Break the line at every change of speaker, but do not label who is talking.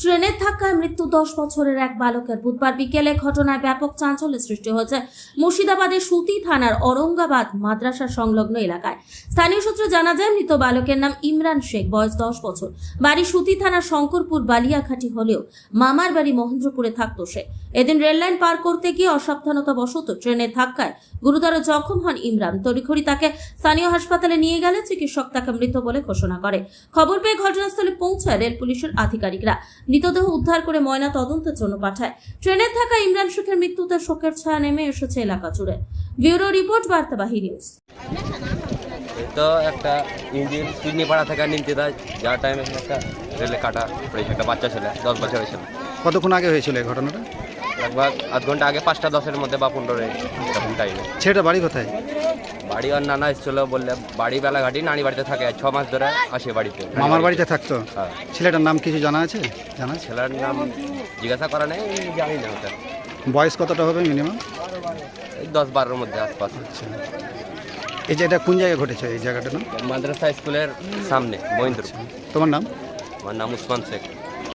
ট্রেনের ধাক্কায় মৃত্যু 10 বছরের এক বালকের। বুধবার বিকেলে ঘটনায় ব্যাপক চাঞ্চল্যের সৃষ্টি হয়েছে মুর্শিদাবাদের সুতি থানার औरंगाबाद মাদ্রাসা সংলগ্ন এলাকায়। স্থানীয় সূত্রে জানা যায়, মৃত বালকের নাম ইমরান শেখ, বয়স 10 বছর। বাড়ি সুতি থানার শঙ্করপুর বালিয়াঘাটি হলেও মামার বাড়ি মহেন্দ্রপুরে থাকতো সে। এদিন রেললাইন পার করতে গিয়ে অসাবধানতাবশত ট্রেনের ধাক্কায় গুরুতর জখম হন ইমরান। তড়িঘড়ি তাকে স্থানীয় হাসপাতালে নিয়ে গেলে চিকিৎসক তাকে মৃত বলে ঘোষণা করে। খবর পেয়ে ঘটনাস্থলে পৌঁছায় রেল পুলিশের আধিকারিকরা। মৃতদেহ উদ্ধার করে ময়না তদন্তের জন্য পাঠায়। ট্রেনের ধাক্কায় ইমরান শেখের মৃত্যুতে শোকের ছায়া নেমে এসেছে এলাকা জুড়ে। ব্যুরো রিপোর্ট, বার্তাবাহী নিউজ।
তো একটা ইঞ্জিন কিডনি পাড়া থেকে নিমতে দেয়, যার টাইমে একটা রেলে কাটা পড়েছে, একটা বাচ্চা ছেলে 10 বছরের ছিল।
কতক্ষণ আগে হয়েছিল এই ঘটনাটা?
लगभग আধ ঘন্টা আগে, 5টা 10-এর মধ্যে বা 15 এরকম টাইমে।
ছেলেটা বাড়ি কোথায়?
বাড়ি আর নানা এসেছিল, বললে বাড়ি বেলাঘাটি, নানি বাড়িতে থাকে, 6 মাস ধরে আসে বাড়িতে।
মামার বাড়িতে থাকতো?
হ্যাঁ।
ছেলেটার নাম কিছু জানা আছে? জানা আছে?
ছেলের নাম জিজ্ঞাসা করা নেই, জানি না ওটা।
বয়স কতটা হবে মিনিমাম?
এই 10-12-এর মধ্যে আশপাশ।
এই যে এটা কোন জায়গায় ঘটেছে এই জায়গাটার নাম?
মাদ্রাসা স্কুলের সামনে মহেন্দ্র।
তোমার নাম?
আমার নাম উসমান শেখ।